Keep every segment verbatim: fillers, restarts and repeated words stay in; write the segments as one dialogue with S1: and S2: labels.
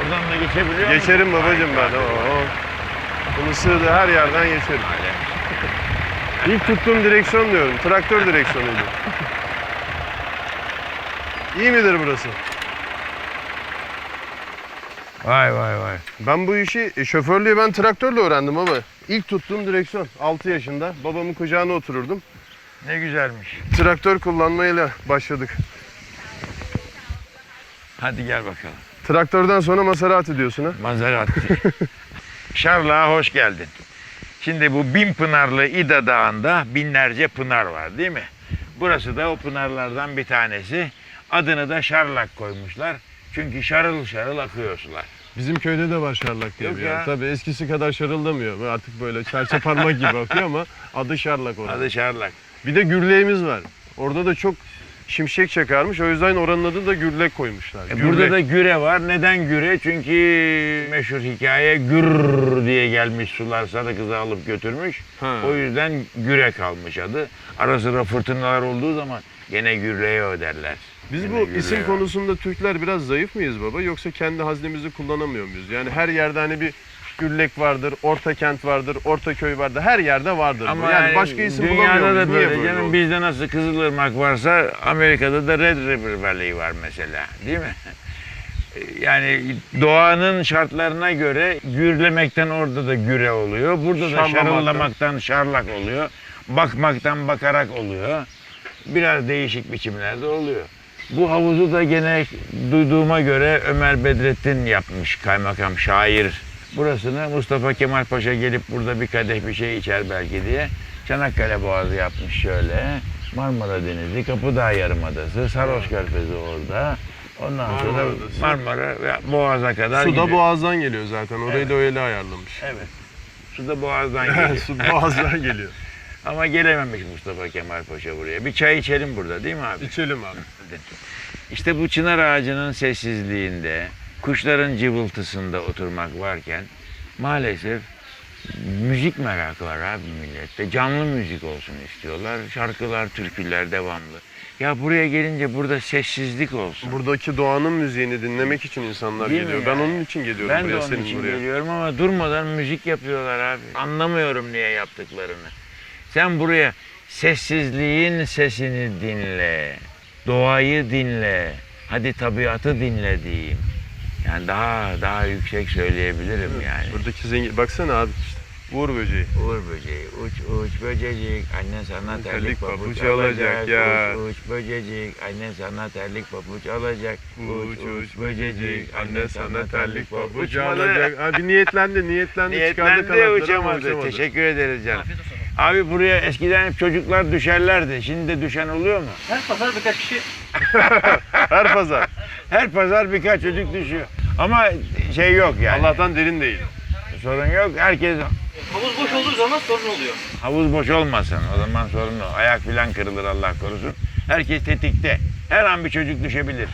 S1: Oradan da geçebiliyor musun?
S2: Geçerim babacığım ben. Oo. Bunu sığdı her yerden geçerim. İlk tuttuğum direksiyon diyorum. Traktör direksiyonuydu. İyi midir burası?
S1: Vay vay vay.
S2: Ben bu işi, e, şoförlüğü ben traktörle öğrendim ama ilk tuttuğum direksiyon altı yaşında. Babamın kucağına otururdum.
S1: Ne güzelmiş.
S2: Traktör kullanmayla başladık.
S1: Hadi gel bakalım.
S2: Traktörden sonra Maserati diyorsun ha?
S1: Maserati. Şarlak'a hoş geldin. Şimdi bu bin pınarlı İda Dağı'nda binlerce pınar var değil mi? Burası da o pınarlardan bir tanesi. Adını da Şarlak koymuşlar. Çünkü şarıl şarıl akıyor sular.
S2: Bizim köyde de var Şarlak diye
S1: Yok
S2: bir yer.
S1: ya.
S2: Tabii eskisi kadar şarıldamıyor. Artık böyle serçe parmak gibi akıyor ama adı Şarlak orada.
S1: Adı Şarlak.
S2: Bir de gürleğimiz var. Orada da çok şimşek çakarmış. O yüzden oranın adı da Gürlek koymuşlar.
S1: E burada da güre var. Neden güre? Çünkü meşhur hikaye gür diye gelmiş sular sarı kızı alıp götürmüş.
S2: Ha.
S1: O yüzden güre kalmış adı. Ara sıra fırtınalar olduğu zaman gene gürleye öderler.
S2: Biz
S1: Gene
S2: bu
S1: gürleye
S2: isim
S1: var.
S2: konusunda Türkler biraz zayıf mıyız baba? Yoksa kendi haznemizi kullanamıyor muyuz? Yani her yerde hani bir Gürlek vardır, Orta Kent vardır, Orta Köy vardır. Her yerde vardır.
S1: Ama
S2: bu. Yani,
S1: yani
S2: başka isim
S1: dünyada
S2: bulamıyor muyuz?
S1: da
S2: Niye
S1: böyle
S2: böyle
S1: canım.
S2: oldu?
S1: Bizde nasıl Kızılırmak varsa Amerika'da da Red River Valley var mesela. Değil mi? Yani doğanın şartlarına göre gürlemekten orada da güre oluyor. Burada da
S2: Şarlamaktan.
S1: şarıllamaktan şarlak oluyor. Bakmaktan bakarak oluyor. Biraz değişik biçimlerde oluyor. Bu havuzu da gene duyduğuma göre Ömer Bedrettin yapmış, kaymakam, şair. Burasını Mustafa Kemal Paşa gelip burada bir kadeh bir şey içer belki diye Çanakkale Boğazı yapmış şöyle. Marmara Denizi, Kapıdağ Yarımadası, Saros Körfezi orada. Ondan sonra
S2: Marmara Adası.
S1: Marmara ve Boğaz'a kadar
S2: Su
S1: gidiyor.
S2: da boğazdan geliyor zaten. Orayı
S1: Evet.
S2: da öyle ayarlamış.
S1: Evet. Su da Boğaz'dan geliyor.
S2: Su boğazdan geliyor.
S1: Ama gelememiş Mustafa Kemal Paşa buraya. Bir çay içelim burada değil mi abi?
S2: İçelim abi.
S1: İşte bu çınar ağacının sessizliğinde, kuşların cıvıltısında oturmak varken maalesef müzik merakı var abi millette. Canlı müzik olsun istiyorlar. Şarkılar, türküler devamlı. Ya buraya gelince burada sessizlik olsun.
S2: Buradaki doğanın müziğini dinlemek için insanlar
S1: Değil mi
S2: geliyor.
S1: ya?
S2: Ben onun için geliyorum
S1: Ben de
S2: buraya,
S1: onun
S2: senin
S1: için
S2: buraya.
S1: geliyorum ama durmadan müzik yapıyorlar abi. Anlamıyorum niye yaptıklarını. Sen buraya sessizliğin sesini dinle, doğayı dinle, hadi tabiatı dinle diyeyim. Yani daha daha yüksek söyleyebilirim yani.
S2: Buradaki zengin... Baksana abi işte. Uğur böceği.
S1: Uğur böceği, uç uç böcecik, anne sana terlik
S2: Terlik
S1: pabuç
S2: pabuç
S1: alacak.
S2: alacak ya.
S1: Uç uç böcecik, anne sana terlik pabuç alacak.
S2: Uç uç böcecik, anne
S1: anne
S2: sana terlik pabuç
S1: Uçmadı.
S2: alacak. Abi niyetlendi, niyetlendi, çıkardı
S1: Niyetlendi
S2: kanatları ama
S1: uçamadı.
S2: uçamadı.
S1: Teşekkür ederiz canım. Abi buraya eskiden hep çocuklar düşerlerdi. Şimdi de düşen oluyor mu?
S3: Her pazar birkaç kişi
S2: Her pazar.
S1: Her pazar birkaç çocuk düşüyor. Ama şey yok yani.
S2: Allah'tan derin değil.
S1: Sorun yok. Herkes
S3: havuz boş olduğu zaman sorun oluyor.
S1: havuz boş olmasın. O zaman sorun o. Ayak falan kırılır Allah korusun. Herkes tetikte. Her an bir çocuk düşebilir.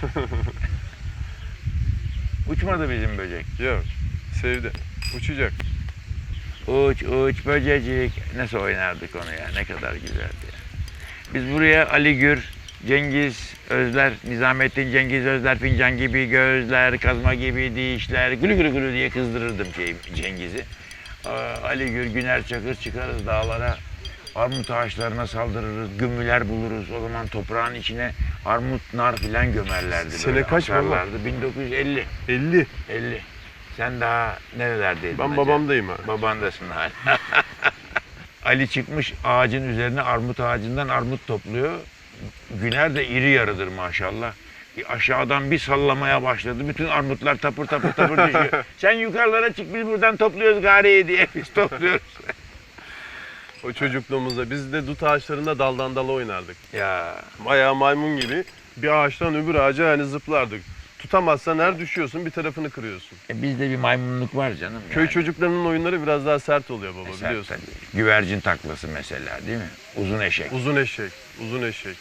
S1: Uçmadı bizim böcek.
S2: Yok. Sevdi. Uçacak.
S1: Uç uç böcecik. Nasıl oynardık onu ya. Ne kadar güzeldi ya. Biz buraya Ali Gür, Cengiz Özler, Nizamettin Cengiz Özler, fincan gibi gözler, kazma gibi dişler, gülü gülü gülü diye kızdırırdım şey, Cengiz'i. Aa, Ali Gür, Güner Çakır çıkarız dağlara, armut ağaçlarına saldırırız, gümmüler buluruz. O zaman toprağın içine armut, nar filan gömerlerdi.
S2: Sene
S1: böyle,
S2: kaç baba?
S1: asarlardı. bin dokuz yüz elli.
S2: elli.
S1: elli. Sen daha nerelerdeydin?
S2: Ben
S1: acaba?
S2: babamdayım abi.
S1: Babandasın hala. Ali çıkmış ağacın üzerine armut ağacından armut topluyor. Güner de iri yarıdır maşallah. Bir aşağıdan bir sallamaya başladı. Bütün armutlar tapır tapır tapır düşüyor. Sen yukarılara çık biz buradan topluyoruz gariye diye biz topluyoruz.
S2: O çocukluğumuzda biz de dut ağaçlarında daldan dala oynardık.
S1: Ya
S2: Bayağı maymun gibi bir ağaçtan öbür ağaca hani zıplardık. Tutamazsan her düşüyorsun bir tarafını kırıyorsun.
S1: e, bizde bir maymunluk var canım.
S2: Köy
S1: yani.
S2: çocuklarının oyunları biraz daha sert oluyor baba
S1: Mesela
S2: biliyorsun.
S1: tabii, güvercin taklası mesela değil mi? Uzun eşek.
S2: Uzun eşek, uzun eşek.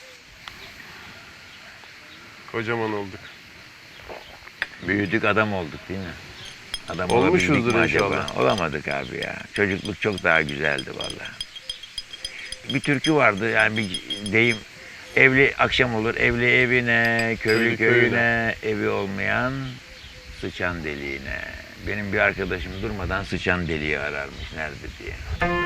S2: Kocaman olduk.
S1: Büyüdük adam olduk değil mi? Adam
S2: Olmuşuzdur
S1: olabildik mi acaba?
S2: inşallah.
S1: Olamadık abi ya. Çocukluk çok daha güzeldi vallahi. Bir türkü vardı yani bir deyim. Evli akşam olur, evli evine, köylü
S2: Köylü köyüne.
S1: köyüne, evi olmayan sıçan deliğine. Benim bir arkadaşım durmadan sıçan deliği ararmış nerede diye.